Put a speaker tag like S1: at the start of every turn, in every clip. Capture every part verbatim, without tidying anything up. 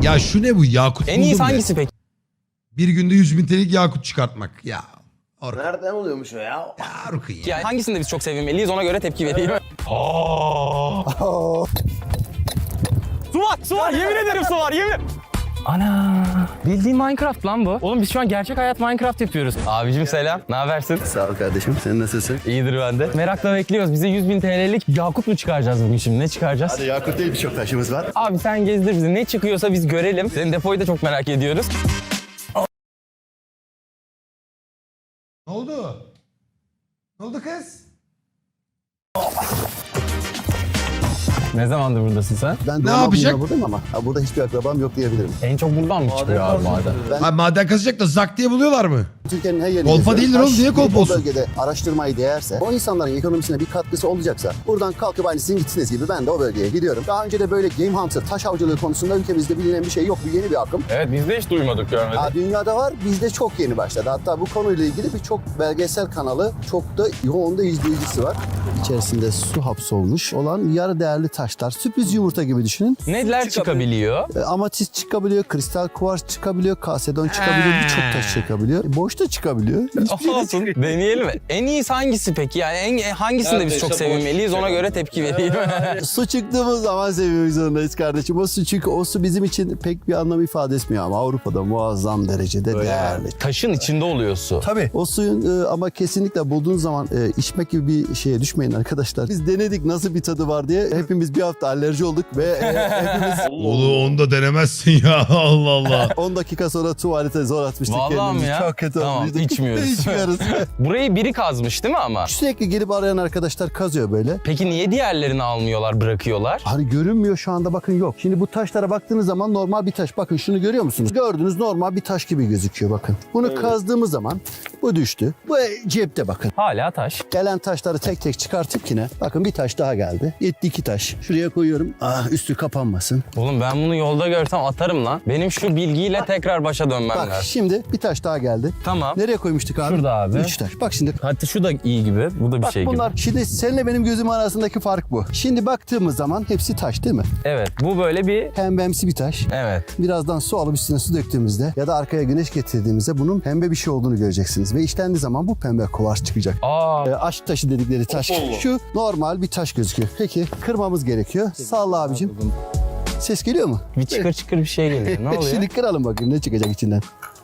S1: Ya şu ne bu? Yakut
S2: En iyisi
S1: buldum be.
S2: hangisi peki?
S1: Bir günde yüz bin T L'lik yakut çıkartmak. Ya. Orkun.
S3: Nereden oluyormuş o ya?
S1: Ya Orkun ya.
S2: Yani hangisinde biz çok sevinmeliyiz ona göre tepki vereyim. Su var, su var. Yemin ederim su var, yemin. Ana, bildiğin Minecraft lan bu. Oğlum biz şu an gerçek hayat Minecraft yapıyoruz. Abicim selam, ne habersin?
S3: Sağ ol kardeşim. Sen nasılsın?
S2: İyidir ben de. Merakla bekliyoruz. Bize yüz bin T L'lik yakut mu çıkaracağız bugün şimdi? Ne çıkaracağız?
S3: Hadi yakut değil birçok taşımız var.
S2: Abi sen gezdir bizi. Ne çıkıyorsa biz görelim. Senin depoyu da çok merak ediyoruz.
S1: Ne oldu? Ne oldu kız?
S2: Ne zamandır buradasın sen?
S3: Ben
S1: Ne
S3: doğma
S1: yapacak?
S3: büyüme buradayım ama ha, burada hiçbir akrabam yok diyebilirim.
S2: En çok buradan mı çıkıyor abi maden?
S3: Ben
S1: Ha, maden kazacak da zak diye buluyorlar mı?
S3: Türkiye'nin her yerine
S1: Kolpa
S3: geziyorum.
S1: değildir oğlum,
S3: Taş
S1: niye kolpa
S3: bu
S1: olsun?
S3: bölgede araştırmayı değerse, o insanların ekonomisine bir katkısı olacaksa, buradan kalkıp aynı sizin gitsiniz gibi ben de o bölgeye gidiyorum. Daha önce de böyle game hunter, taş avcılığı konusunda ülkemizde bilinen bir şey yok. Bu yeni bir akım.
S2: Evet biz de hiç duymadık görmedik.
S3: Ha, dünyada var, bizde çok yeni başladı. Hatta bu konuyla ilgili birçok belgesel kanalı, çok da yoğun da izleyicisi var. İçerisinde su hapsolmuş olan yarı değerli taşlar, sürpriz yumurta gibi düşünün.
S2: Neler çıkabiliyor?
S3: E, Amatist çıkabiliyor, kristal kuvars çıkabiliyor, kasedon çıkabiliyor, birçok taş çıkabiliyor. E, boş da çıkabiliyor. Hiçbir şey de
S2: Olsun deneyelim. En iyisi hangisi peki? Yani en, hangisinde biz çok sevinmeliyiz ona göre tepki vereyim.
S3: Su çıktığımız zaman sevmek zorundayız kardeşim. O su çünkü o su bizim için pek bir anlam ifade etmiyor ama Avrupa'da muazzam derecede değerli.
S2: Taşın içinde oluyor su.
S3: Tabii. O suyun e, ama kesinlikle bulduğun zaman e, içmek gibi bir şeye düşmeyin arkadaşlar. Biz denedik nasıl bir tadı var diye. Hepimiz bir hafta alerji olduk ve e, hepimiz
S1: Oğlum onu da denemezsin ya. Allah Allah.
S3: on dakika sonra tuvalete zor atmıştık
S2: Vallahi
S3: kendimizi.
S2: mi ya?
S3: Çok kötü
S2: Tamam,
S3: olmuştuk.
S2: içmiyoruz.
S3: İçmiyoruz.
S2: Burayı biri kazmış değil mi ama?
S3: Sürekli gelip arayan arkadaşlar kazıyor böyle.
S2: Peki niye diğerlerini almıyorlar, bırakıyorlar?
S3: Hani görünmüyor şu anda bakın yok. Şimdi bu taşlara baktığınız zaman normal bir taş. Bakın şunu görüyor musunuz? Gördüğünüz normal bir taş gibi gözüküyor bakın. Bunu kazdığımız zaman bu düştü. Bu cepte bakın.
S2: Hala taş.
S3: Gelen taşları tek tek çıkartıp yine bakın bir taş daha geldi. Yetti iki taş. Şuraya koyuyorum. Ah üstü kapanmasın.
S2: Oğlum ben bunu yolda görsem atarım lan. Benim şu bilgiyle tekrar başa dönmem
S3: Bak
S2: lazım.
S3: şimdi bir taş daha geldi.
S2: Tamam.
S3: Nereye koymuştuk abi?
S2: Şurada abi.
S3: Üç taş. Bak şimdi.
S2: Hatta şu da iyi gibi. Bu da bir
S3: Bak
S2: şey
S3: bunlar
S2: gibi.
S3: şimdi seninle benim gözüm arasındaki fark bu. Şimdi baktığımız zaman hepsi taş değil mi?
S2: Evet. Bu böyle bir...
S3: Pembemsi bir taş.
S2: Evet.
S3: Birazdan su alıp üstüne su döktüğümüzde ya da arkaya güneş getirdiğimizde bunun pembe bir şey olduğunu göreceksiniz. Ve işlendiği zaman bu pembe kuvars çıkacak.
S2: Aa.
S3: E, aşk taşı dedikleri taş. Şu normal bir taş gözüküyor. Peki kırmamız gerekiyor. Salla abicim. Ses geliyor mu?
S2: Bir çıkır çıkır bir şey geliyor. Ne oluyor?
S3: Şimdi kıralım bakayım ne çıkacak içinden.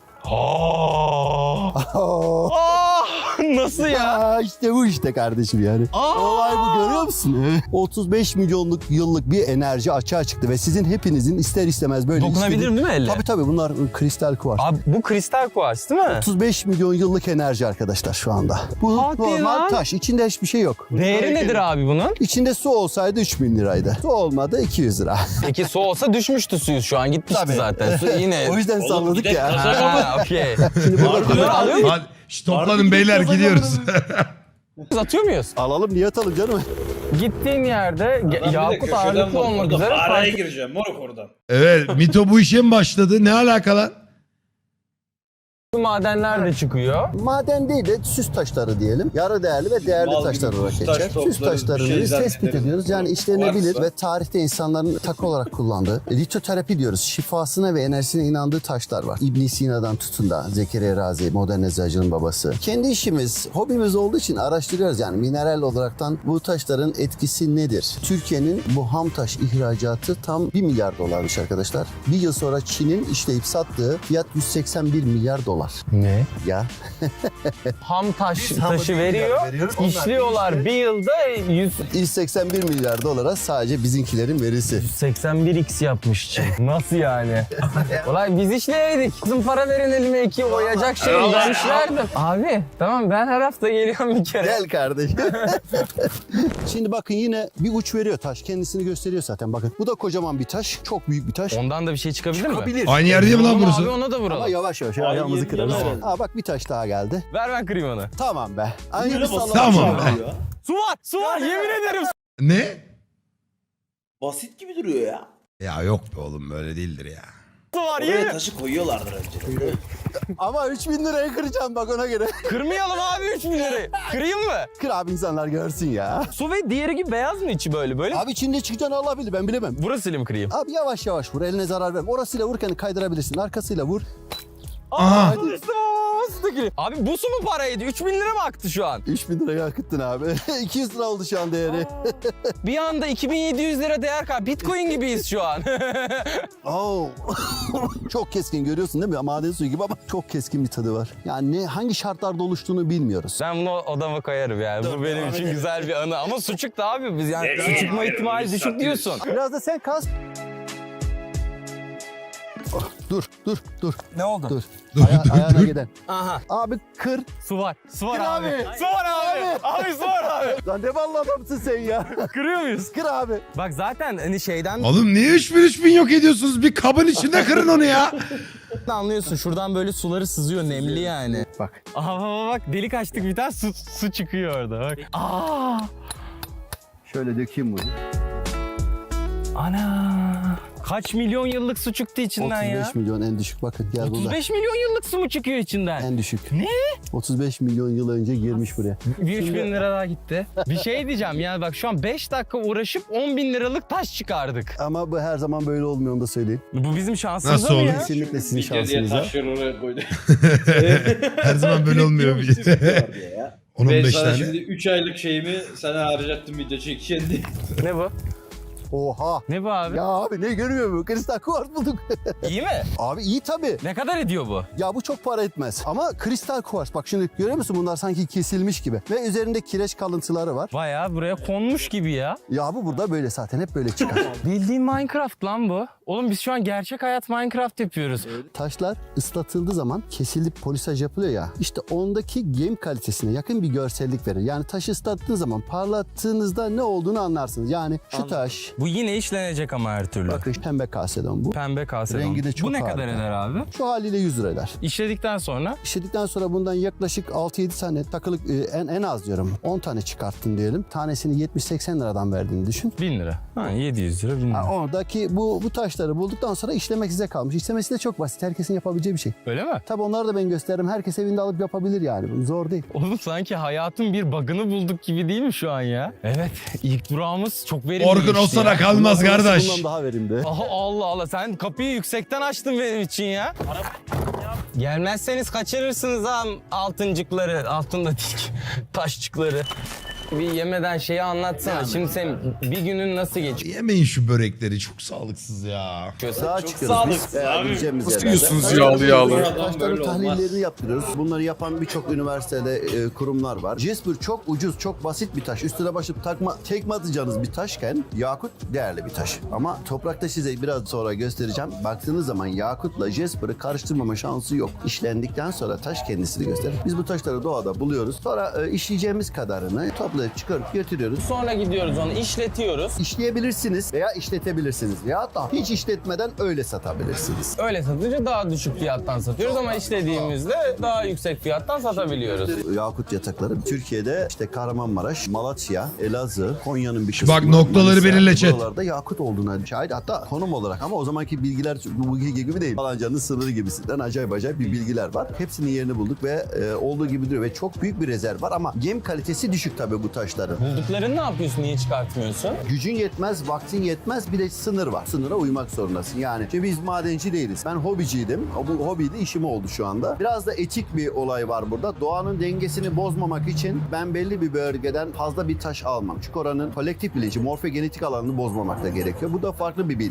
S2: Aa. Aa. Nasıl ya?
S3: Aa, işte bu işte kardeşim yani.
S2: Aa.
S3: Olay bu görüyor musun? otuz beş milyonluk yıllık bir enerji açığa çıktı ve sizin hepinizin ister istemez böyle
S2: Dokunabilirim
S3: istediği-
S2: değil mi elle?
S3: Tabii tabii bunlar kristal kuvars.
S2: Abi bu kristal kuvars değil mi?
S3: otuz beş milyon yıllık enerji arkadaşlar şu anda. Bu
S2: Hadi
S3: normal
S2: lan.
S3: taş. İçinde hiçbir şey yok.
S2: Değeri nedir abi bunun?
S3: İçinde su olsaydı üç bin liraydı. Su olmadı iki yüz lira.
S2: Peki su olsa düşmüştü suyu şu an gitmişti
S3: Tabii.
S2: zaten. Su yine.
S3: O yüzden salladık
S4: bir de
S3: ya.
S4: kazak-
S2: Ha, okey.
S3: Şimdi burada
S2: Bunları alıyor muyuz?
S1: Hadi şş, toplanın beyler gidiyoruz.
S2: Atıyor muyuz?
S3: alalım niye atalım canım?
S2: Gittiğin yerde ge- yakut ağırlıklı olmak üzere
S4: Araya
S2: fark...
S4: gireceğim moruk oradan.
S1: Evet Mito bu işe mi başladı? Ne alaka lan?
S2: madenler de çıkıyor.
S3: Maden değil de süs taşları diyelim. Yarı değerli ve değerli
S4: Mal
S3: taşlar
S4: gibi
S3: olarak
S4: süs
S3: geçer.
S4: taş
S3: Süs
S4: toplarız, bir
S3: taşlarını
S4: şey
S3: biz tespit
S4: zannederiz.
S3: ediyoruz. Yani işlenebilir
S4: Varsa.
S3: ve tarihte insanların takı olarak kullandığı litoterapi diyoruz. Şifasına ve enerjisine inandığı taşlar var. İbn Sina'dan tutun da Zekeriya Razi, modern eczacının babası. Kendi işimiz, hobimiz olduğu için araştırıyoruz. Yani mineral olaraktan bu taşların etkisi nedir? Türkiye'nin bu ham taş ihracatı tam bir milyar dolarmış arkadaşlar. Bir yıl sonra Çin'in işleyip sattığı fiyat yüz seksen bir milyar dolar.
S2: Ne?
S3: Ya
S2: Ham taş
S3: Biz hamı
S2: taşı
S3: bir
S2: veriyor.
S3: milyar veriyoruz. Onlar
S2: İşliyorlar bir yılda yüz
S3: yüz seksen bir milyar dolara sadece bizimkilerin verisi.
S2: seksen bir x yapmış Çin. Nasıl yani? Olay biz işleyeydik. Bizim para verin elime iki oyacak şey ben işlerdim. Abi tamam ben her hafta geliyorum bir kere.
S3: Gel kardeşim. Şimdi bakın yine bir uç veriyor taş. Kendisini gösteriyor zaten bakın. Bu da kocaman bir taş. Çok büyük bir taş.
S2: Ondan da bir şey çıkabilir mi?
S3: Çıkabilir.
S1: Aynı yer değil mi lan
S2: Vuralım
S1: burası?
S2: Abi ona da
S3: Ama
S2: vuralım.
S3: yavaş yavaş
S4: Ay,
S3: ayağımızı
S4: yemin
S3: kırarız.
S4: ederim.
S3: Aa bak bir taş daha geldi.
S2: Ver ben kırayım onu.
S3: Tamam be. Aynı bir
S4: Böyle basit
S3: sallama.
S1: Tamam.
S4: şey ya.
S2: Su var su var yemin ederim.
S1: Ne?
S4: Basit gibi duruyor ya.
S1: Ya yok be oğlum böyle değildir ya.
S2: Su var
S4: Oraya
S2: yemin.
S4: taşı koyuyorlardır önceden.
S3: Ama üç bin liraya kıracağım bak ona göre.
S2: Kırmayalım abi üç bin lirayı. Kırayım mı?
S3: Kır abi insanlar görsün ya.
S2: Su ve diğeri gibi beyaz mı içi böyle böyle?
S3: Abi içinde çıkacağını Allah bilir ben bilemem.
S2: Burasıyla mı kırayım?
S3: Abi yavaş yavaş vur eline zarar verme. Orasıyla vurken kaydırabilirsin arkasıyla vur.
S1: Aha.
S2: Abi bu su mu paraydı? üç bin lira mı aktı şu an?
S3: üç bin liraya akıttın abi. iki yüz lira oldu şu an değeri.
S2: Bir anda iki bin yedi yüz lira değer kay. Bitcoin gibiyiz şu an.
S3: Oo. Çok keskin görüyorsun değil mi? Maden suyu gibi ama çok keskin bir tadı var. Yani ne, hangi şartlarda oluştuğunu bilmiyoruz.
S2: Ben bunu odama koyarım yani. Bu benim için güzel bir anı. Ama su çıktı abi. Biz yani su çıkma ihtimali düşük diyorsun.
S3: Biraz da sen kas. Oh, dur, dur, dur,
S2: Ne oldu?
S3: dur. Aya- ayağına giden.
S2: Aha.
S3: Abi kır.
S2: Su var. Su var
S3: Kır
S2: abi.
S3: abi.
S2: Su var abi. Abi su var abi.
S3: Lan ne ballı adamsın sen ya.
S2: Kırıyor muyuz?
S3: Kır abi.
S2: Bak zaten hani şeyden
S1: Oğlum niye üç bin üç bin yok ediyorsunuz? Bir kabın içinde kırın onu ya.
S2: anlıyorsun. Şuradan böyle suları sızıyor. Nemli yani.
S3: Bak.
S2: Aha bak, bak delik açtık bir tane su, su çıkıyor orada bak. Aa!
S3: Şöyle dökeyim bunu.
S2: Ana! Kaç milyon yıllık su çıktı içinden
S3: otuz beş
S2: ya?
S3: milyon en düşük bakın gel
S2: otuz
S3: burada.
S2: beş milyon yıllık su mu çıkıyor içinden?
S3: En düşük.
S2: Ne?
S3: otuz beş milyon yıl önce girmiş buraya.
S2: Bir üç bin lira daha gitti. Bir şey diyeceğim yani bak şu an beş dakika uğraşıp on bin liralık taş çıkardık.
S3: Ama bu her zaman böyle olmuyor onu da söyleyeyim.
S2: Bu bizim şansımız
S1: Nasıl
S2: mı
S1: olur?
S2: ya?
S3: Kesinlikle sizin
S4: Bir diye
S3: şansınıza.
S4: taşları oraya koydu.
S1: Her zaman böyle olmuyor. on on
S4: Ben
S1: beş
S4: sana
S1: tane.
S4: şimdi üç aylık şeyimi sana harcattım video çekeceğim diye.
S2: Ne bu?
S3: Oha.
S2: Ne bu abi?
S3: Ya abi ne görmüyor mu? Kristal kuvars bulduk.
S2: İyi mi?
S3: Abi iyi tabii.
S2: Ne kadar ediyor bu?
S3: Ya bu çok para etmez. Ama kristal kuvars. Bak şimdi görüyor musun bunlar sanki kesilmiş gibi. Ve üzerinde kireç kalıntıları var.
S2: Bayağı buraya konmuş gibi ya.
S3: Ya bu burada böyle zaten hep böyle çıkar.
S2: Bildiğin Minecraft lan bu. Oğlum biz şu an gerçek hayat Minecraft yapıyoruz.
S3: Taşlar ıslatıldığı zaman kesilip polisaj yapılıyor ya. İşte ondaki game kalitesine yakın bir görsellik verir. Yani taşı ıslattığın zaman parlattığınızda ne olduğunu anlarsınız. Yani şu taş,
S2: Bu yine işlenecek ama her türlü.
S3: bakın pembe kasedon bu.
S2: Pembe kase.
S3: Rengi de çok
S2: Bu ne
S3: harika.
S2: kadar eder abi?
S3: Şu haliyle yüz lira eder.
S2: İşledikten sonra
S3: İşledikten sonra bundan yaklaşık altı yedi tane takılık e, en, en az diyorum on tane çıkarttın diyelim. Tanesini yetmiş seksen liradan verdiğini düşün.
S2: bin lira. Ha, yedi yüz lira bin lira.
S3: Ha, oradaki bu bu taşları bulduktan sonra işlemek size kalmış. İşlemesi de çok basit. Herkesin yapabileceği bir şey.
S2: Öyle mi?
S3: Tabii onları da ben gösteririm. Herkes evinde alıp yapabilir yani. Bu zor değil.
S2: Oğlum sanki hayatın bir bug'ını bulduk gibi değil mi şu an ya? Evet. İlk durağımız çok verimli
S1: Orkun
S2: geçti
S1: o sana
S2: ya.
S1: kalmaz
S3: Bundan sonrası
S1: kardeş.
S3: Bundan daha verimli.
S2: Aha Allah Allah sen kapıyı yüksekten açtın benim için ya. Gelmezseniz kaçırırsınız ha altıncıkları, altında dik taşçıkları. Bir yemeden şeyi anlatsana. Şimdi sen bir günün nasıl geçiyor?
S1: Yemeyin şu börekleri çok sağlıksız ya.
S3: Sağa çıkıyoruz
S4: sağlıklı
S3: biz. Veya
S4: abi.
S3: gideceğimiz
S5: Nasıl
S3: yerlerde.
S5: yiyorsunuz yağlı yağlı?
S3: Taşların
S4: Böyle
S3: tahlillerini
S4: olmaz.
S3: yaptırıyoruz. Bunları yapan birçok üniversitede e, kurumlar var. Jasper çok ucuz, çok basit bir taş. Üstüne başlıp takma, tekme atacağınız bir taşken yakut değerli bir taş. Ama toprakta size biraz sonra göstereceğim. Baktığınız zaman yakutla Jasper'ı karıştırmama şansı yok. İşlendikten sonra taş kendisini gösterir. Biz bu taşları doğada buluyoruz. Sonra e, işleyeceğimiz kadarını toplayıp çıkarıp götürüyoruz.
S2: Sonra gidiyoruz onu işletiyoruz.
S3: İşleyebilirsiniz veya işletebilirsiniz. Ya da hiç işletmeden öyle satabilirsiniz.
S2: Öyle satınca daha düşük fiyattan satıyoruz ama işlediğimizde daha yüksek fiyattan satabiliyoruz.
S3: Yakut yatakları Türkiye'de işte Kahramanmaraş, Malatya, Elazığ, Konya'nın bir kısmı.
S1: Bak noktaları
S3: Manisa,
S1: belirle chat.
S3: Buralarda yakut olduğuna şahit. Hatta konum olarak ama o zamanki bilgiler bu bilgi gibi değil. Falancanın sınırı gibisinden acayip acayip bir bilgiler var. Hepsinin yerini bulduk ve e, olduğu gibi duruyor ve çok büyük bir rezerv var ama gem kalitesi düşük tabii bu taşların.
S2: Bulduklarını ne yapıyorsun? Niye çıkartmıyorsun?
S3: Gücün yetmez, vaktin yetmez bir de sınır var. Sınıra uymak zorundasın. Yani işte biz madenci değiliz. Ben hobiciydim. Bu hobi de işim oldu şu anda. Biraz da etik bir olay var burada. Doğanın dengesini bozmamak için ben belli bir bölgeden fazla bir taş almam. Çünkü oranın kolektif bilinci, morfogenetik alanını bozmamak da gerekiyor. Bu da farklı bir bilgi.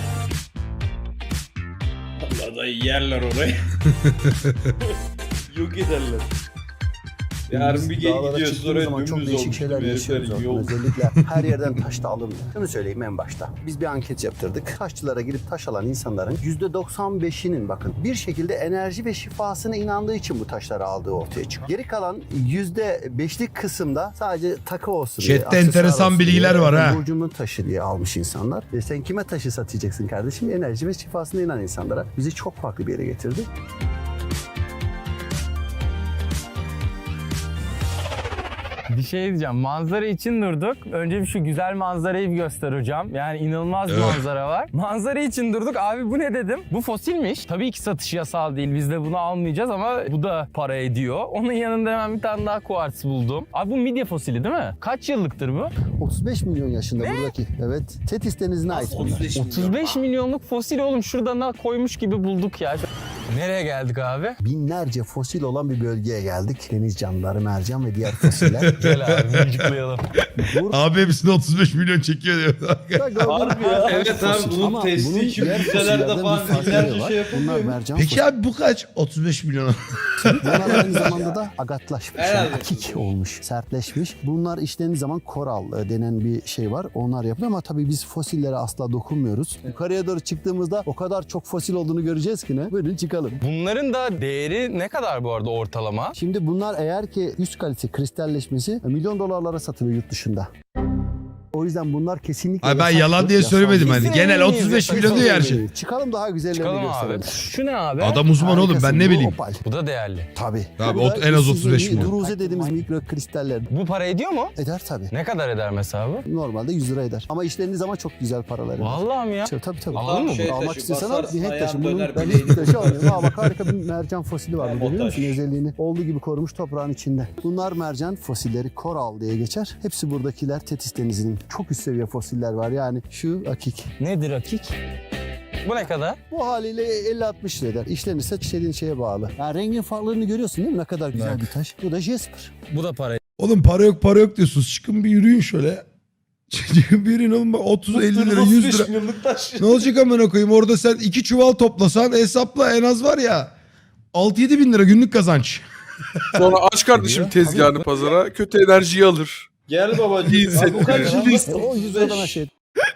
S4: Allah da yerler orayı. Yok ederler. Yarın bir gel
S3: Dağlara
S4: gidiyorsun
S3: çıktığımız
S4: oraya
S3: zaman çok
S4: dümdüz
S3: değişik
S4: olmuş.
S3: şeyler
S4: gibi
S3: yaşıyoruz.
S4: herifler,
S3: Orkun.
S4: yok.
S3: Özellikle her yerden taş da alınmıyor. Şunu söyleyeyim en başta. Biz bir anket yaptırdık. Taşçılara girip taş alan insanların yüzde doksan beşinin bakın bir şekilde enerji ve şifasına inandığı için bu taşları aldığı ortaya çıkıyor. Geri kalan yüzde beşlik kısımda sadece takı olsun diye,
S1: Chat'te
S3: aksesuar
S1: enteresan
S3: olsun
S1: bilgiler
S3: diye,
S1: var ha.
S3: Burcumun taşı diye almış insanlar. E sen kime taşı satacaksın kardeşim? Enerji ve şifasına inanan insanlara. Bizi çok farklı bir yere getirdi.
S2: Bir şey diyeceğim. Manzara için durduk. Önce bir şu güzel manzarayı bir göster hocam. Yani inanılmaz bir
S1: Evet.
S2: manzara var. Manzara için durduk. Abi bu ne dedim? Bu fosilmiş. Tabii ki satışı yasal değil. Biz de bunu almayacağız ama bu da para ediyor. Onun yanında hemen bir tane daha kuartz buldum. Abi bu midye fosili değil mi? Kaç yıllıktır bu?
S3: otuz beş milyon yaşında buradaki. Evet. Tetis denizine ait bunlar.
S4: otuz beş milyon.
S2: otuz beş milyonluk fosil oğlum. Şuradan da koymuş gibi bulduk ya. Nereye geldik abi?
S3: Binlerce fosil olan bir bölgeye geldik. Deniz canlıları, mercan ve diğer fosiller.
S2: Gel abi mıncıklayalım.
S3: Burada
S1: Abi hepsini otuz beş milyon çekiyor diyor.
S4: Harbi ya. Evet abi
S3: fosil.
S4: bunun
S3: Ama
S4: testi
S3: bunun
S4: için
S3: diğer
S4: müzelerde
S3: fosillerden
S4: falan
S3: bir farkları
S4: binlerce
S3: var.
S4: şey yapılıyor.
S3: Bunlar mercan
S1: Peki
S3: fosili.
S1: abi bu kaç? otuz beş milyon.
S3: Bunlar aynı zamanda da agatlaşmış, yani
S4: Herhalde.
S3: akik olmuş, sertleşmiş. Bunlar işlediğiniz zaman koral e, denen bir şey var. Onlar yapılıyor ama tabii biz fosillere asla dokunmuyoruz. Yukarıya doğru çıktığımızda o kadar çok fosil olduğunu göreceğiz ki ne? Buyurun çıkalım.
S2: Bunların da değeri ne kadar bu arada ortalama?
S3: Şimdi bunlar eğer ki üst kalite kristalleşmesi e, milyon dolarlara satılıyor yurt dışında. O yüzden bunlar kesinlikle
S1: Ay ben
S3: yasaktır,
S1: yalan diye
S3: yasal
S1: söylemedim
S3: değil.
S1: hani.
S2: Kesin
S1: Genel
S2: emin miyiz
S1: otuz beş
S2: ya?
S1: milyon diyor her şey.
S3: Çıkalım daha güzellerini
S2: Çıkalım
S3: gösterelim.
S2: abi. Şu ne abi?
S1: Adam uzman oğlum ben
S3: Harikasın,
S1: ne
S3: bu
S1: bileyim.
S3: opal.
S2: Bu da değerli.
S3: Tabii.
S1: Abi
S3: Bu
S1: ot-
S3: da
S1: en az
S3: sizin
S1: otuz beş
S3: bir
S1: milyon.
S3: Druze dediğimiz mikro kristaller.
S2: Bu para ediyor mu?
S3: Eder tabii.
S2: Ne kadar eder mesela bu?
S3: Normalde yüz lira eder. Ama işleriniz zaman çok güzel paraları var.
S2: Vallahi mi ya?
S3: Tabii tabii. tabii.
S2: Alalım mı
S4: Şey
S2: bunu?
S3: Almak
S4: taşı,
S3: istiyorsan al,
S4: basarsın,
S3: bir het taşı.
S4: ayağın
S3: Bunun
S4: döner,
S3: ben
S4: bileğini
S3: het taşı alıyorum. Aa bak harika bir mercan fosili var.
S4: Ha,
S3: Burada, görüyor musun?
S4: montaj.
S3: Özelliğini olduğu gibi korumuş toprağın içinde. Bunlar mercan fosilleri, koral diye geçer. Hepsi buradakiler Tetis Denizi'nin çok üst seviye fosiller var. Yani şu akik.
S2: Nedir akik? Bu ne kadar?
S3: Bu haliyle elli altmış lira eder. İşlenirse işlediğin şeye bağlı. Yani rengin farklılığını görüyorsun değil mi? Ne kadar güzel
S2: Bak.
S3: bir taş. Bu da jasper.
S2: Bu da para
S1: Oğlum para yok para yok diyorsunuz. Çıkın bir yürüyün şöyle. Çıkın bir yürüyün oğlum. Bak otuz elli lira yüz lira.
S4: milyonluk taş.
S1: Ne olacak amına koyayım? Orada sen iki çuval toplasan hesapla en az var ya. altı yedi bin lira günlük kazanç.
S5: Sonra aç kardeşim tezgahını pazara, kötü enerjiyi alır.
S4: Gel babacığım.
S5: Değil,
S4: Abi bu kaç
S5: sen-
S4: yıllık?
S3: E, o yüz liradan aşağı.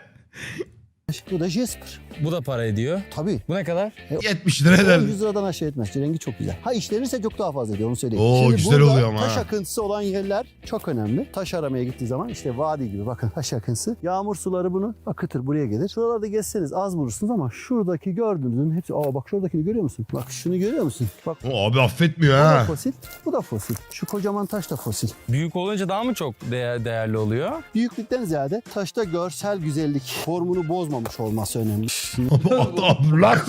S3: Bu da jasper.
S2: Bu da para ediyor.
S3: Tabii.
S2: Bu ne kadar?
S1: yetmiş lira
S3: O
S1: eder.
S3: yüz liradan aşağı etmez. Rengi çok güzel. Ha işlenirse çok daha fazla ediyor onu söyleyeyim.
S1: Oo,
S3: Şimdi
S1: güzel
S3: burada
S1: oluyor ama
S3: taş
S1: ha.
S3: akıntısı olan yerler çok önemli. Taş aramaya gittiği zaman işte vadi gibi bakın taş akıntısı. Yağmur suları bunu akıtır buraya gelir. Şuralarda gezseniz az bulursunuz ama şuradaki gördüğünüzün hepsi. Aa bak şuradakini görüyor musun? Bak şunu görüyor musun? Bak
S1: O abi affetmiyor
S3: bu da
S1: ha.
S3: fosil. Bu da fosil. Şu kocaman taş da fosil.
S2: Büyük olunca daha mı çok değer, değerli oluyor?
S3: Büyüklükten ziyade taşta görsel güzellik, formunu bozmamış olması önemli.
S1: Abdullah.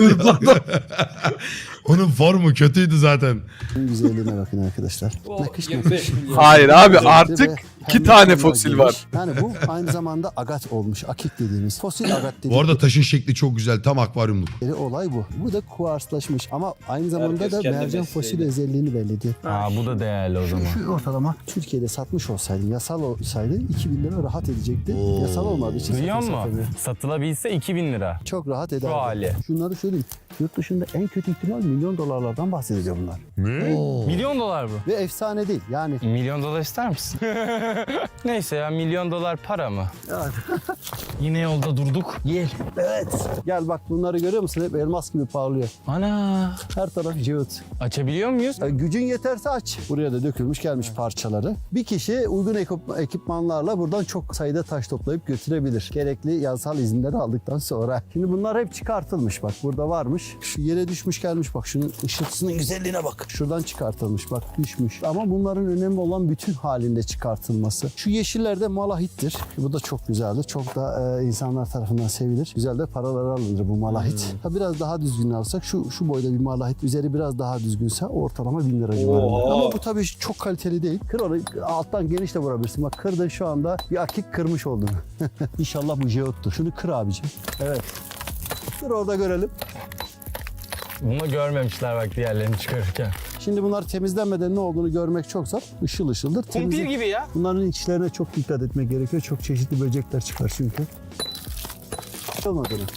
S1: Onun formu kötüydü zaten.
S3: Şunun güzelliğine bakın arkadaşlar.
S4: O
S3: Nakış
S4: yirmi
S3: nakış.
S4: beş milyon.
S5: Hayır abi
S3: Özellikle
S5: artık
S3: ve
S5: iki
S3: pembe
S5: tane
S3: tonlar
S5: fosil
S3: girmiş.
S5: var.
S3: Yani bu aynı zamanda agat olmuş. Akik dediğimiz. Fosil agat dediğimiz.
S1: Bu arada taşın şekli çok güzel. Tam akvaryumluk.
S3: olay bu. Bu da kuarslaşmış ama aynı zamanda
S4: Herkes
S3: da
S4: kendi
S3: mercan
S4: mesleğiyle.
S3: fosil özelliğini belli ediyor.
S2: Aa bu da değerli o zaman.
S3: Şu ortalama Türkiye'de satmış olsaydı, yasal olsaydı iki bin lira rahat edecekti.
S1: Oo.
S3: Yasal olmadığı için
S2: Duyuyor
S3: satın
S2: musun?
S3: satamıyor.
S2: Satılabilse iki bin lira.
S3: Çok rahat ederdi.
S2: hali.
S3: Şunları söyleyeyim. Yurt dışında en kötü ihtimal milyon dolarlardan bahsediyor bunlar.
S1: Oo.
S2: Milyon dolar bu.
S3: Ve efsane değil. Yani
S2: Milyon dolar ister misin? Neyse ya milyon dolar para mı? Yine yolda durduk. Gel.
S3: evet. Gel bak bunları görüyor musun? Hep elmas gibi parlıyor.
S2: Ana.
S3: Her taraf cıvıt.
S2: Açabiliyor muyuz?
S3: E, gücün yeterse aç. Buraya da dökülmüş gelmiş parçaları. Bir kişi uygun ekip- ekipmanlarla buradan çok sayıda taş toplayıp götürebilir. Gerekli yasal izinleri aldıktan sonra. Şimdi bunlar hep çıkartılmış bak. Burada varmış. Şu yere düşmüş gelmiş bak. Şunun ışıltısının güzelliğine bak. Şuradan çıkartılmış bak düşmüş. Ama bunların önemli olan bütün halinde çıkartılması. Şu yeşiller de malahittir. Bu da çok güzeldir. Çok da e, insanlar tarafından sevilir. Güzel de paraları alınır bu malahit. Ha, biraz daha düzgün alsak şu şu boyda bir malahit üzeri biraz daha düzgünse ortalama bin lira civarında.
S4: Oha.
S3: Ama bu tabii çok kaliteli değil. Kır onu alttan geniş de vurabilirsin. Bak kırdın şu anda bir akik kırmış oldun. İnşallah bu jeottur. Şunu kır abicim. Evet. Dur orada görelim.
S2: Bunu görmemişler bak diğerlerini çıkarırken.
S3: Şimdi bunlar temizlenmeden ne olduğunu görmek çok zor. Işıl ışıldır.
S2: Kumpir
S3: Temizle-
S2: gibi ya.
S3: Bunların içlerine çok dikkat etmek gerekiyor. Çok çeşitli böcekler çıkar çünkü. Olmadı mı?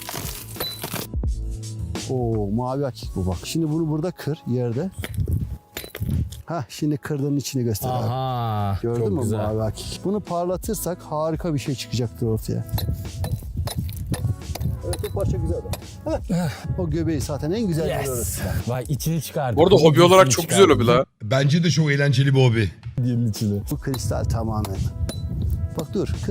S3: Oo mavi akik bu bak. Şimdi bunu burada kır yerde. Hah şimdi kırdığın içini göster abi.
S2: Aha.
S3: Gördün
S2: çok
S3: mü
S2: güzel.
S3: mavi akik? Bunu parlatırsak harika bir şey çıkacaktır ortaya. Evet o parça güzel bak. Heh. O göbeği zaten en güzel yeri
S2: Yes.
S3: orası.
S2: Vay içini çıkardı.
S5: Bu arada hobi olarak çok güzel hobi la.
S1: Bence de çok eğlenceli bir hobi.
S2: Dilin içini.
S3: Bu kristal tamamen. Bak dur kırma.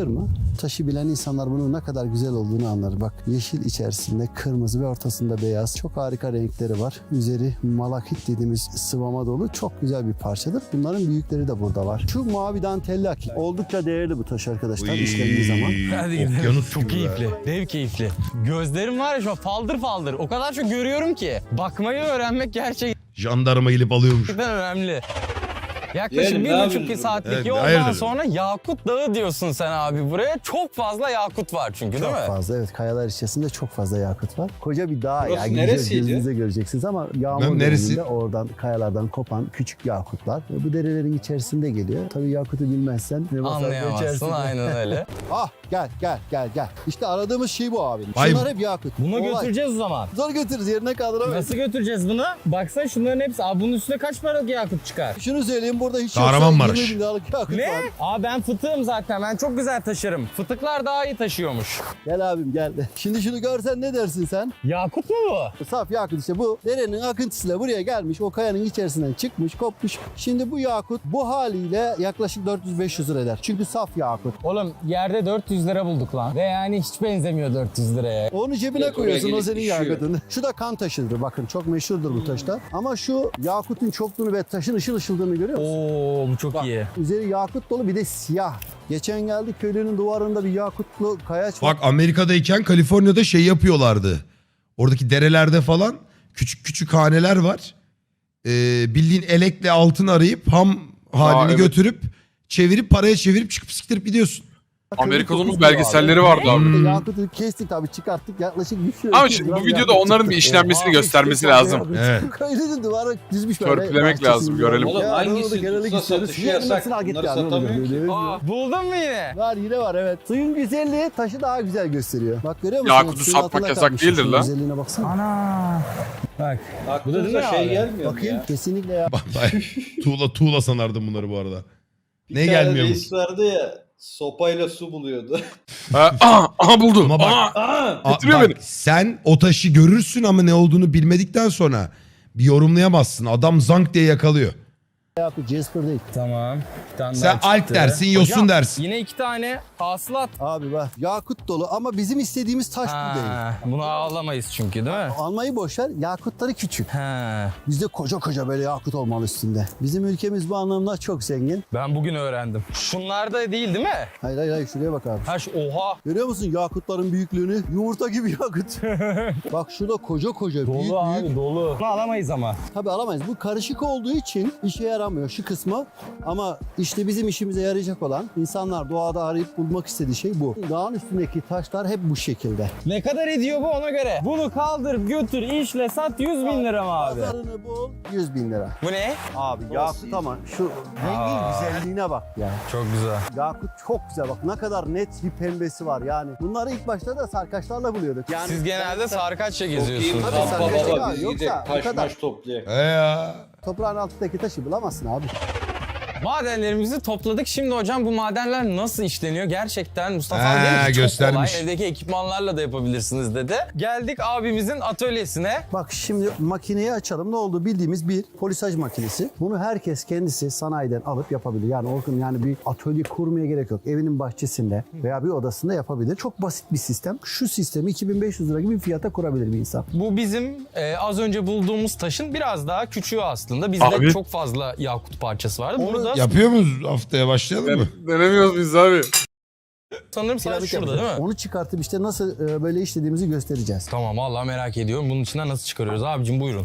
S3: Taşı bilen insanlar bunun ne kadar güzel olduğunu anlar. Bak yeşil içerisinde kırmızı ve ortasında beyaz. Çok harika renkleri var. Üzeri malakit dediğimiz sıvama dolu çok güzel bir parçadır. Bunların büyükleri de burada var. Şu mavi dantelli akik. Oldukça değerli bu taş arkadaşlar işlendiği zaman.
S2: Hadi gidelim.
S1: Okyanus
S2: Çok
S1: gibi be.
S2: keyifli. Dev keyifli. Gözlerim var ya şu an faldır faldır. O kadar çok görüyorum ki. Bakmayı öğrenmek gerçekten
S1: Jandarma gelip alıyormuş.
S2: önemli. Yaklaşık
S4: Yeğenim, ne
S2: bir buçuk
S4: yapıyorsun?
S2: saatlik
S1: Evet,
S2: yoldan
S1: hayırdır?
S2: sonra Yakut Dağı diyorsun sen abi buraya. Çok fazla yakut var çünkü değil
S3: Çok
S2: mi?
S3: fazla evet kayalar içerisinde çok fazla yakıt var. Koca bir dağ
S4: Burası
S3: ya. Gideceğiz,
S4: neresiydi?
S3: gözünüze göreceksiniz ama yağmur
S1: Lan neresi?
S3: döneminde oradan kayalardan kopan küçük yakutlar. Ve bu derelerin içerisinde geliyor. Tabii yakutu bilmezsen ne basar
S2: Anlayamazsın
S3: geçersin.
S2: aynen öyle.
S3: Ah gel gel gel gel. İşte aradığımız şey bu abi.
S1: Vay
S3: Şunlar
S1: be.
S3: hep yakut.
S2: Bunu
S3: Olay.
S2: götüreceğiz o zaman.
S3: Zor götürürüz yerine kaldıramayız.
S2: Nasıl götüreceğiz bunu? Baksana şunların hepsi. Abi bunun üstüne kaç paralık yakut çıkar?
S3: Şunu söyleyeyim burada hiç
S1: Kahramanmaraş.
S3: yoksa yirmi bin liralık yakut
S2: Ne?
S3: var.
S2: Aa ben fıtığım zaten. Ben çok güzel taşırım. Fıtıklar daha iyi taşıyormuş.
S3: Gel abim gel. Şimdi şunu görsen ne dersin sen?
S2: Yakut mu bu?
S3: Saf yakut işte bu derenin akıntısıyla buraya gelmiş. O kayanın içerisinden çıkmış, kopmuş. Şimdi bu yakut bu haliyle yaklaşık dört yüz beş yüz lira eder. Çünkü saf yakut.
S2: Oğlum yerde dört yüz lira bulduk lan. Ve yani hiç benzemiyor dört yüz liraya.
S3: Onu cebine
S4: Evet,
S3: koyuyorsun
S4: oraya
S3: o
S4: gelip
S3: senin
S4: düşüyor.
S3: yakutun. Şu da kan taşıdır bakın çok meşhurdur bu taşta. Ama şu yakutun çokluğunu ve taşın ışıl ışıldığını görüyor musun?
S2: Oo bu çok
S3: Bak,
S2: iyi.
S3: üzeri yakut dolu bir de siyah. Geçen geldik köylünün duvarında bir yakutlu kayaç var.
S1: Bak Amerika'dayken Kaliforniya'da şey yapıyorlardı. Oradaki derelerde falan küçük küçük haneler var. Ee, bildiğin elekle altın arayıp ham halini
S5: Aa, evet.
S1: götürüp çevirip paraya çevirip çıkıp siktirip gidiyorsun.
S5: Amerika'da onun
S3: Köylü
S5: belgeselleri vardı abi.
S3: Bir de
S1: Hmm.
S3: Yakutu kestik tabii çıkarttık yaklaşık bir
S5: Ama şimdi bu videoda onların bir işlenmesini göstermesi lazım.
S1: Evet.
S3: Köylünün duvara düzmüş
S5: Törpülemek lazım, görelim.
S4: Oğlum
S3: Ya,
S4: hangisi
S3: doğru, genellik
S4: tutsa
S3: istiyoruz.
S4: satışı
S3: Yarın
S4: yasak.
S3: nasıl al git
S4: Bunları
S3: yani, onu
S4: satamıyor ki.
S3: görüyoruz.
S2: Aa, buldun mu yine?
S3: Var yine var evet. Suyun güzelliği taşı daha güzel gösteriyor. Bak görüyor musun?
S5: Yakutu
S3: Suyun
S5: satmak
S3: altında
S5: yasak
S3: kalmış.
S5: değildir
S3: Şunun
S5: lan.
S3: Güzelliğine baksana.
S2: Ana. Bak. Bu da değil mi
S4: Aklınıza şey
S2: abi?
S4: gelmiyor mu
S3: Bakayım
S4: ya?
S3: kesinlikle ya.
S1: tuğla tuğla sanardım bunları bu arada.
S4: Bir
S1: Ne
S4: tane
S1: gelmiyormuş?
S4: reis vardı ya sopayla su buluyordu.
S5: Ha, aha, aha buldu.
S1: Ama bak-
S5: Aha.
S4: Aa!
S1: A-
S5: Getiriyor
S1: bak,
S5: beni.
S1: sen o taşı görürsün ama ne olduğunu bilmedikten sonra bir yorumlayamazsın. Adam zank diye yakalıyor.
S3: Yakut Jasper değil.
S2: Tamam. Bir tane
S1: Sen
S2: daha
S1: alp
S2: çıktı.
S1: dersin, yosun
S2: Hocam,
S1: dersin.
S2: Yine iki tane hasılat.
S3: Abi bak yakut dolu ama bizim istediğimiz taş bu değil.
S2: Ha, bunu ağlamayız çünkü değil mi?
S3: Almayı boşver yakutları küçük.
S2: Ha,
S3: Bizde koca koca böyle yakut olmalı üstünde. Bizim ülkemiz bu anlamda çok zengin.
S2: ben bugün öğrendim. Şunlar da değil değil mi?
S3: Hayır hayır hayır şuraya bak abi.
S2: Ha şu oha.
S3: Görüyor musun yakutların büyüklüğünü? Yumurta gibi yakut. Bak şurada koca koca büyük
S2: Dolu abi
S3: büyük.
S2: dolu. Bunu alamayız ama.
S3: Tabii alamayız. Bu karışık olduğu için işe yaramıyor şu kısmı. Ama işte bizim işimize yarayacak olan insanlar doğada arayıp bulmak istediği şey bu. Dağın üstündeki taşlar hep bu şekilde.
S2: Ne kadar ediyor bu ona göre? Bunu kaldır götür işle sat yüz bin lira mı abi?
S3: Pazarını bul yüz bin lira.
S2: Bu ne?
S3: Abi yakut ama şu rengin
S2: Aa.
S3: güzelliğine bak ya.
S2: Çok güzel.
S3: Yakut çok güzel bak ne kadar net bir pembesi var yani. Bunları ilk başta da sarkaçlarla buluyorduk. Yani
S2: Siz genelde sarkaçla
S4: Çok iyi
S2: geziyorsunuz.
S3: Tabii
S4: kampa
S3: sen
S4: baba
S3: kaçak
S4: biz
S3: abi,
S4: gidip
S3: yoksa bu
S4: taş
S3: kadar.
S4: maş toplayak.
S1: E ya.
S3: toprağın altındaki taşı bulamazsın abi.
S2: Madenlerimizi topladık. Şimdi hocam bu madenler nasıl işleniyor? Gerçekten Mustafa
S1: Ha,
S2: abi dedi ki çok
S1: göstermiş.
S2: kolay. Evdeki ekipmanlarla da yapabilirsiniz dedi. Geldik abimizin atölyesine.
S3: Bak şimdi makineyi açalım. Ne oldu? Bildiğimiz bir polisaj makinesi. Bunu herkes kendisi sanayiden alıp yapabilir. Yani Orkun yani bir atölye kurmaya gerek yok. Evinin bahçesinde veya bir odasında yapabilir. Çok basit bir sistem. Şu sistemi iki bin beş yüz lira gibi bir fiyata kurabilir bir insan.
S2: Bu bizim e, az önce bulduğumuz taşın biraz daha küçüğü aslında. Bizde
S5: Abi.
S2: çok fazla yakut parçası vardı.
S3: Onu
S2: Burada
S1: Yapıyor muyuz haftaya başlayalım mı?
S5: Denemiyoruz biz abi.
S2: sanırım sadece
S3: Piramit
S2: şurada
S3: yapacağız.
S2: değil mi?
S3: Onu çıkartıp işte nasıl e, böyle işlediğimizi göstereceğiz.
S2: Tamam vallahi merak ediyorum. Bunun içinden nasıl çıkarıyoruz abicim buyurun.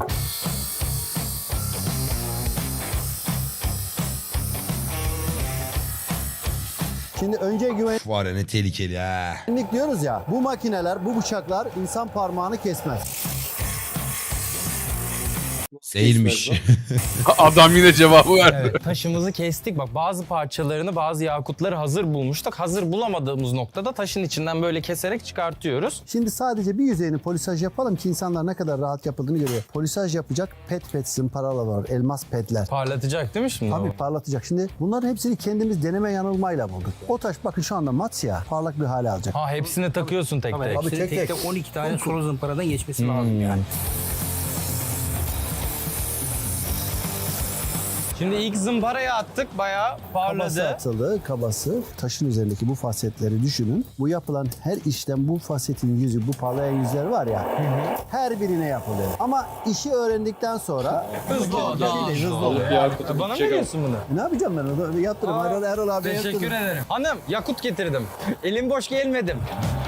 S3: Şimdi önce güvenlik
S1: Var ya ne tehlikeli ha.
S3: diyoruz ya. Bu makineler, bu bıçaklar insan parmağını kesmez.
S1: Değilmiş.
S5: Adam yine cevabı verdi.
S2: Evet, taşımızı kestik. Bak bazı parçalarını, bazı yakutları hazır bulmuştuk. Hazır bulamadığımız noktada taşın içinden böyle keserek çıkartıyoruz.
S3: Şimdi sadece bir yüzeyini polisaj yapalım ki insanlar ne kadar rahat yapıldığını görüyor. Polisaj yapacak pet pet zımparalar var, elmas petler.
S2: Parlatacak değil mi şimdi
S3: Tabii
S2: o?
S3: parlatacak. Şimdi bunların hepsini kendimiz deneme yanılmayla bulduk. O taş bakın şu anda mat siyah, parlak bir hale alacak.
S2: Ha hepsini takıyorsun tek tek.
S3: Abi
S6: Hepsinin
S3: tek
S6: tek
S3: tek.
S6: tek on iki tane solo zımparadan geçmesi
S2: Hmm.
S6: lazım yani.
S2: Şimdi ilk zımparayı attık, bayağı
S3: Kabası
S2: parladı.
S3: atıldı, kabası. Taşın üzerindeki bu fasetleri düşünün. Bu yapılan her işlem, bu fasetin yüzü, bu parlayan yüzler var ya, her birine yapılıyor. Ama işi öğrendikten sonra
S2: Hızlı ol, daha hızlı ol.
S4: Yakut'u
S2: Bana mı
S4: bitecek
S2: diyorsun bunu?
S3: ne yapacağım ben onu? Yaptırım. Erol, Erol abi
S2: Teşekkür
S3: yaptırım.
S2: ederim. Hanım, yakut getirdim. Elim boş gelmedim.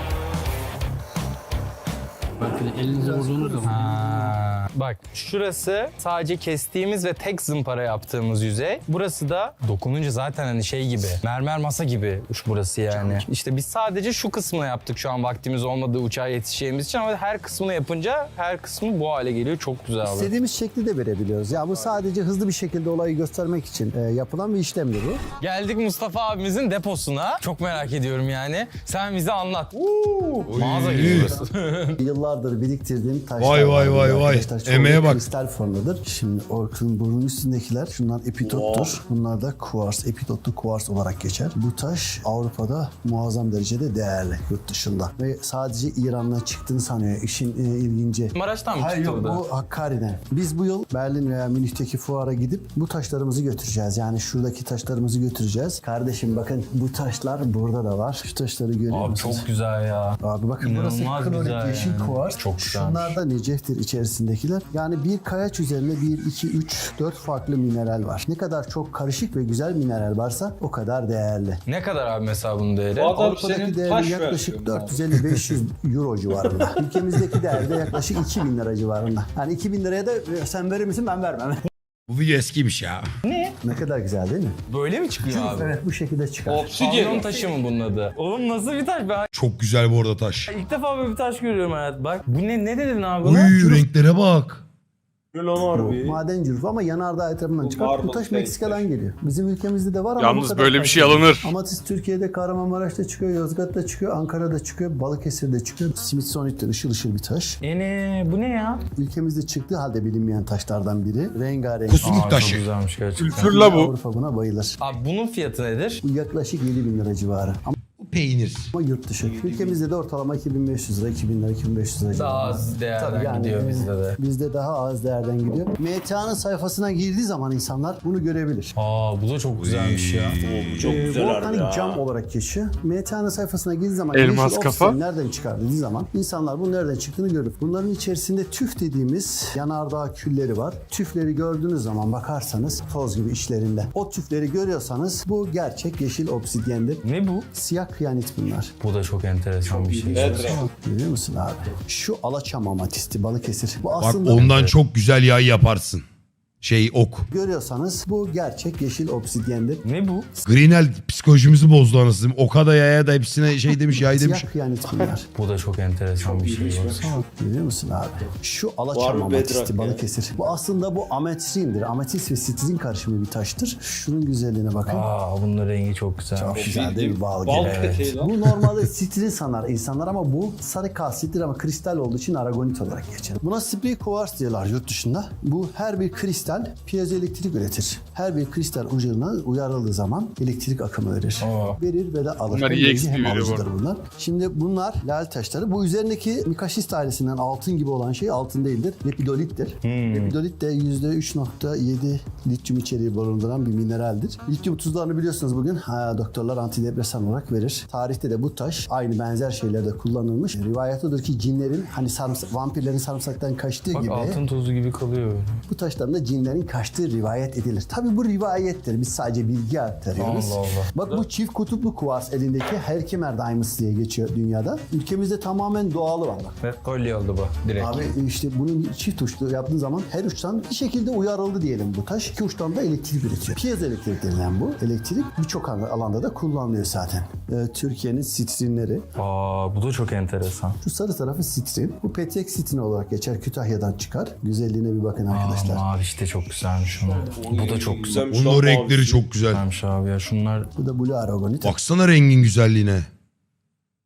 S6: Elinize vurduğunuz zaman.
S2: Ha, bak şurası sadece kestiğimiz ve tek zımpara yaptığımız yüzey. Burası da dokununca zaten hani şey gibi, mermer masa gibi uç burası yani. İşte biz sadece şu kısmını yaptık şu an vaktimiz olmadığı uçağa yetişeceğimiz için ama her kısmını yapınca her kısmı bu hale geliyor. Çok güzel abi.
S3: İstediğimiz şekli de verebiliyoruz. Ya bu sadece hızlı bir şekilde olayı göstermek için e, yapılan bir işlemdir bu.
S2: Geldik Mustafa abimizin deposuna. Çok merak ediyorum yani. Sen bize anlat. Mağaza gibi burası.
S3: Yıllardır biriktirdiğim taşlar
S1: Vay, vay,
S3: var
S1: vay,
S3: burada
S1: vay.
S3: arkadaşlar. Çoğu
S1: Emeğe bak.
S3: kristal formdadır. Şimdi Orkun burnun üstündekiler şunlar epitottur. Bunlar da kuvars, epitotlu kuvars olarak geçer. Bu taş Avrupa'da muazzam derecede değerli yurt dışında. Ve sadece İran'dan çıktığını sanıyor. İşin e, ilginci.
S2: Maraş'tan mı
S3: Hayır
S2: çıktı
S3: yok,
S2: bu da?
S3: bu Hakkari'den. Biz bu yıl Berlin veya Münih'teki fuara gidip bu taşlarımızı götüreceğiz. Yani şuradaki taşlarımızı götüreceğiz. Kardeşim bakın bu taşlar burada da var. Şu taşları görüyor
S2: Abi
S3: musunuz?
S2: çok güzel ya.
S3: Abi bakın
S2: İnanılmaz
S3: burası klorit
S2: güzel
S3: yeşil
S2: yani.
S3: kuvars.
S2: Çok güzelmiş.
S3: Şunlar da neceftir içerisindekiler. Yani bir kayaç üzerinde bir, iki, üç, dört farklı mineral var. Ne kadar çok karışık ve güzel mineral varsa o kadar değerli.
S2: Ne kadar abi mesela bunun değeri?
S4: Bu adam
S3: Avrupa'daki
S4: senin
S3: değeri
S4: taş
S3: yaklaşık
S4: versiyonun
S3: dört yüz elli beş yüz euro civarında. Ülkemizdeki değeri de yaklaşık iki bin lira civarında. Yani iki bin liraya da e, sen verir misin ben vermem.
S1: Bu video eskiymiş ya.
S3: Ne kadar güzel değil mi?
S2: Böyle mi çıkıyor abi?
S3: Evet bu şekilde çıkar.
S2: Pavyon
S4: Obsidyen.
S2: taşı mı bunun adı? Oğlum nasıl bir taş? Ben
S1: Çok güzel bu arada taş.
S2: ilk defa böyle bir taş görüyorum hayat. Bak bu ne ne dedin abi
S1: Uy
S2: buna?
S1: renklere bak.
S4: Lan
S3: Bu
S4: harbi.
S3: maden cürfü ama yanardağ etrafından
S4: Bu
S3: çıkar. Bu
S4: marble
S3: taş
S4: face
S3: Meksika'dan
S4: taş.
S3: geliyor. Bizim ülkemizde de var ama bu
S5: Yalnız
S3: kadar
S5: böyle bir
S3: taş
S5: şey
S3: değil.
S5: alınır.
S3: Amatist Türkiye'de Kahramanmaraş'ta çıkıyor, Yozgat'ta çıkıyor, Ankara'da çıkıyor, Balıkesir'de çıkıyor. Smithsonian'de ışıl ışıl bir taş.
S2: Ene bu ne ya?
S3: Ülkemizde çıktığı halde bilinmeyen taşlardan biri. Rengarenk.
S1: Kusmuk
S2: Aa,
S1: taşı.
S2: Çok güzelmiş gerçekten.
S5: Kültürla bu.
S3: Avrupa buna bayılır.
S2: Abi bunun fiyatı nedir?
S3: Bu yaklaşık yedi bin lira civarı.
S1: Bu peynir.
S3: Ama yurt dışı. Ülkemizde de ortalama iki bin beş yüz lira, iki bin lira, iki bin beş yüz lira
S2: Daha
S3: civarı.
S2: az değerden
S3: Tabii yani,
S2: gidiyor
S3: e,
S2: bizde de.
S3: Bizde daha az değerden gidiyor. M T A'nın sayfasına girdiği zaman insanlar bunu görebilir.
S2: Aa bu da çok güzelmiş ya.
S4: Çok
S3: Ee,
S4: güzel harbi
S3: volkanik
S4: ya.
S3: cam olarak geçiyor. M T A'nın sayfasına girdiği zaman
S5: Elmas
S3: yeşil
S5: kafa.
S3: oksijen nereden çıkar dediği zaman insanlar bunun nereden çıktığını görür. Bunların içerisinde tüf dediğimiz yanardağ külleri var. Tüfleri gördüğünüz zaman bakarsanız toz gibi içlerinde. O tüfleri görüyorsanız bu gerçek yeşil obsidyendir.
S2: Ne bu?
S3: Siyah kıyanit bunlar.
S2: Bu da çok enteresan bir şey.
S4: Bedre.
S3: Görüyor musun abi? Şu alaçam amatisti Balıkesir. Bu
S1: Bak
S3: aslında
S1: ondan çok güzel yay yaparsın. Şey ok.
S3: görüyorsanız bu gerçek yeşil obsidyendir.
S2: Ne bu?
S1: Greenel psikolojimizi bozdu anasını. Oka da yaya da hepsine şey demiş yay demiş.
S3: Siyah kıyanit bunlar.
S2: Bu da çok enteresan bir şey. Baksana.
S3: Görüyor musun abi? Şu
S4: Var
S3: alaçam
S4: mı
S3: amatisti
S4: bedrock ya?
S3: Balıkesir. Bu aslında bu ametrindir. Ametist ve sitrin karışımı bir taştır. Şunun güzelliğine bakın.
S2: Aa bunun rengi çok güzel.
S3: Çok güzel değil mi? Bal gibi.
S4: Bal
S3: Evet.
S4: peteği lan.
S3: Bu normalde sitrin sanar insanlar ama bu sarı kalsittir ama kristal olduğu için aragonit olarak geçer. Buna sprey kuvars diyorlar yurt dışında. Bu her bir kristal piezoelektrik üretir. Her bir kristal ucuna uyarıldığı zaman elektrik akımı verir.
S2: Aa.
S3: Verir ve de alır.
S5: Bunlar
S3: Hem
S5: iyi
S3: verici hem
S5: eksi veriyor bu
S3: alıcıdır bunlar. Şimdi bunlar lal taşları. Bu üzerindeki mikaşist ailesinden altın gibi olan şey altın değildir. Lepidolittir. Lepidolit de yüzde üç nokta yedi lityum içeriği barındıran bir mineraldir. Lityum tuzlarını biliyorsunuz bugün ha, doktorlar antidepresan olarak verir. Tarihte de bu taş aynı benzer şeylerde kullanılmış. Rivayet odur ki cinlerin hani sarımsak, vampirlerin sarımsaktan kaçtığı
S2: Bak
S3: gibi
S2: altın tozu gibi kalıyor böyle.
S3: bu taşların da cinlerin kaçtığı rivayet edilir. Tabi bu rivayettir. Biz sadece bilgi aktarıyoruz.
S2: Allah Allah.
S3: Bak bu çift kutuplu kuvars elindeki Herkimer Diamonds diye geçiyor dünyada. Ülkemizde tamamen doğalı var bak.
S2: Ve kolye oldu bu direkt.
S3: Abi işte bunun çift uçlu yaptığın zaman her uçtan bir şekilde uyarıldı diyelim bu taş. İki uçtan da elektrik üretiyor. Piezoelektrik denilen bu elektrik birçok alanda da kullanılıyor zaten. Ee, Türkiye'nin sitrinleri.
S2: Aa bu da çok enteresan.
S3: Şu sarı tarafı sitrin. Bu petek sitrin olarak geçer. Kütahya'dan çıkar. Güzelliğine bir bakın arkadaşlar.
S2: Aa mavi işte çok güzelmiş onun. Bu da çok güzel.
S1: Onun o renkleri çok güzel.
S2: Güzelmiş abi ya şunlar.
S3: Bu da Blue Aragonit.
S1: Baksana rengin güzelliğine.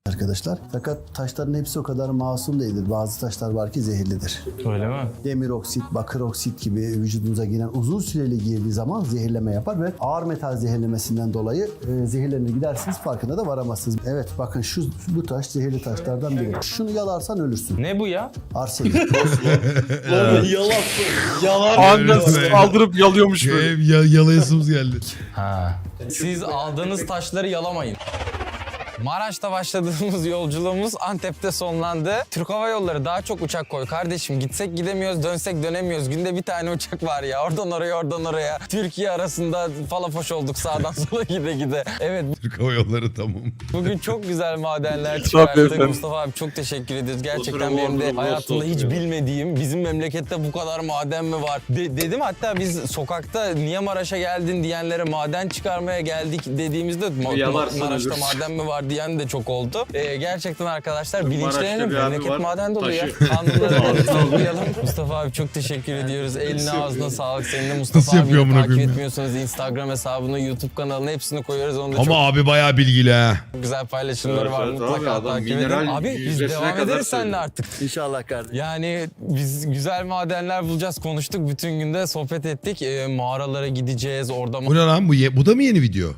S3: arkadaşlar. Fakat taşların hepsi o kadar masum değildir. Bazı taşlar var ki zehirlidir.
S2: Öyle mi?
S3: Demir oksit, bakır oksit gibi vücudunuza giren uzun süreli girdiği zaman zehirleme yapar ve ağır metal zehirlemesinden dolayı e, zehirlerine gidersiniz, farkına da varamazsınız. Evet bakın şu bu taş zehirli taşlardan biri. Şunu yalarsan ölürsün.
S2: Ne bu ya?
S3: Arsenik.
S4: Oğlum yalan. Yalan.
S5: Anında saldırıp yalıyormuş böyle.
S1: Hep ya, yalayasımız geldi.
S2: Ha. Siz aldığınız taşları yalamayın. Maraş'ta başladığımız yolculuğumuz Antep'te sonlandı. Türk Hava Yolları daha çok uçak koy kardeşim. Gitsek gidemiyoruz, dönsek dönemiyoruz. Günde bir tane uçak var ya. Oradan oraya, oradan oraya. Türkiye arasında falafoş olduk sağdan sola gide gide. Evet,
S1: Türk Hava Yolları tamam.
S2: bugün çok güzel madenler
S5: Tabii
S2: çıkarttık.
S5: efendim.
S2: Mustafa abi çok teşekkür ediyoruz. Gerçekten
S4: Oturum,
S2: benim de
S4: oturum,
S2: hayatımda hiç
S4: oturum.
S2: bilmediğim, bizim memlekette bu kadar maden mi var? De- dedim hatta biz sokakta niye Maraş'a geldin diyenlere maden çıkarmaya geldik dediğimizde Ma-
S4: Yalarsın
S2: Maraş'ta
S4: ölürsün.
S2: maden mi var diyen de çok oldu. Ee, gerçekten arkadaşlar
S4: Maraş'ta
S2: bilinçlenelim.
S4: bir abi
S2: Memleket
S4: var,
S2: maden dolu ya.
S4: taşı.
S2: Kanunları tanıyalım. Mustafa abi çok teşekkür ediyoruz. Eline ağzına sağlık. Senin de Mustafa
S1: Nasıl yapıyor
S2: abiyi
S1: amına
S2: takip
S1: koyayım ya?
S2: etmiyorsanız Instagram hesabını, YouTube kanalını hepsini koyuyoruz. Onu da çok
S1: Ama abi bayağı bilgili ha.
S2: güzel paylaşımları
S4: Evet,
S2: var.
S4: evet
S2: Mutlaka
S4: abi, adam
S2: takip edin.
S4: mineral
S2: Abi biz
S4: yüzdesine
S2: devam
S4: kadar
S2: ederiz seninle
S4: söylüyor.
S2: artık.
S3: İnşallah kardeşim.
S2: Yani biz güzel madenler bulacağız, konuştuk. Bütün günde sohbet ettik. Ee, mağaralara gideceğiz. Orada
S1: Bu ne lan? Bu, ye- bu da mı yeni video?